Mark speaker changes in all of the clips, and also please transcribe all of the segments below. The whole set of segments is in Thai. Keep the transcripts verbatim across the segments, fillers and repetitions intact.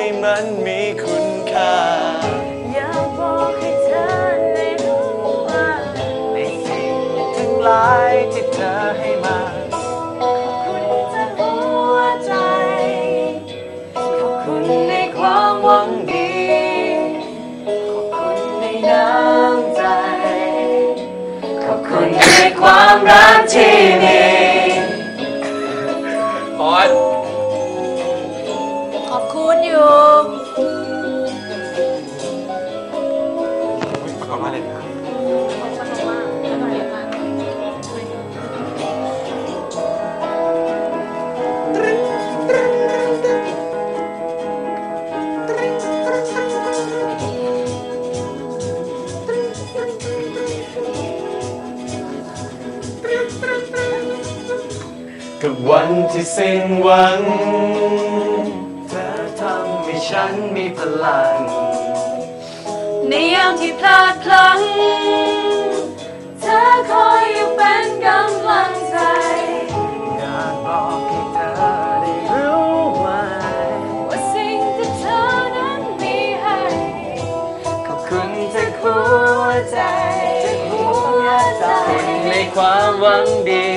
Speaker 1: มันมีคุณค่า
Speaker 2: อยากบอกให้เธอได้รู้ว่า
Speaker 1: ในสิ่งทั้งหลายที่เธอให้มา
Speaker 2: ขอบคุณจากหัวใจขอบคุณในความหวังดีขอบคุณในน้ำใจขอบคุณในความรักที่มี
Speaker 1: บอส
Speaker 2: ขอบคุณอยู่
Speaker 1: ขอบคุณเลยครับกับวันที่สิ้นหวังเธอทำให้ฉันมีพลัง
Speaker 2: ในยามที่พลาดพลั้งเธอคอยอยู่เป็นกำลังใจ
Speaker 1: อยากบอกให้เธอได้รู้ไว้
Speaker 2: ว่าสิ่งที่เธอนั้นมีให้
Speaker 1: ขอบคุณจากหัวใจ
Speaker 2: หัวใจ
Speaker 1: ในความหวังดี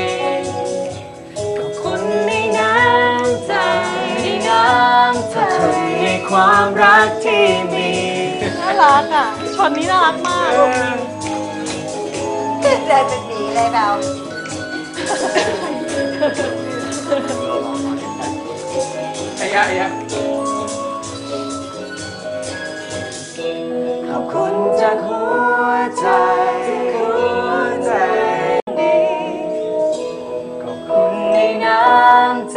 Speaker 1: ในความรักที่มี
Speaker 2: น่ารักอ่ะช็อตนี้น่ารักมาก
Speaker 3: เดินเป็นหมีเลยเรา
Speaker 1: ไอ้ยะไอ้ยะขอบคุณจากหัวใจหัวใจขอบคุณในน้ำใจ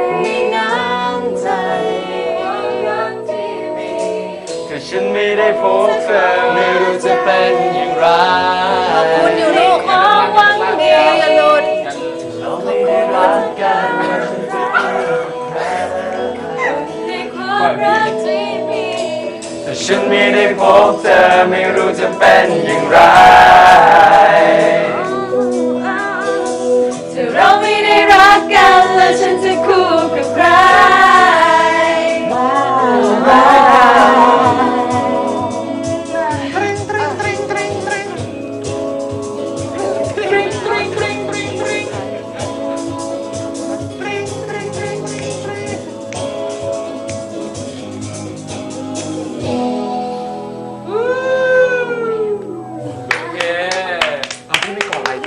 Speaker 1: ฉันไม่ได้พบเธอไม่รู้จะเป็นอย่างไร
Speaker 2: ขอบคุณอยู่ลูกความหวังดีอย่าหลุด
Speaker 1: เราไม่ได้รักกัน
Speaker 2: ในความรักที่มี
Speaker 1: แต่ฉันไม่ได้พบเธอไม่รู้จะเป็นอย่างไร
Speaker 2: ถ้าเราไม่ได้รักกันแล้วฉันจะคู่กับใคร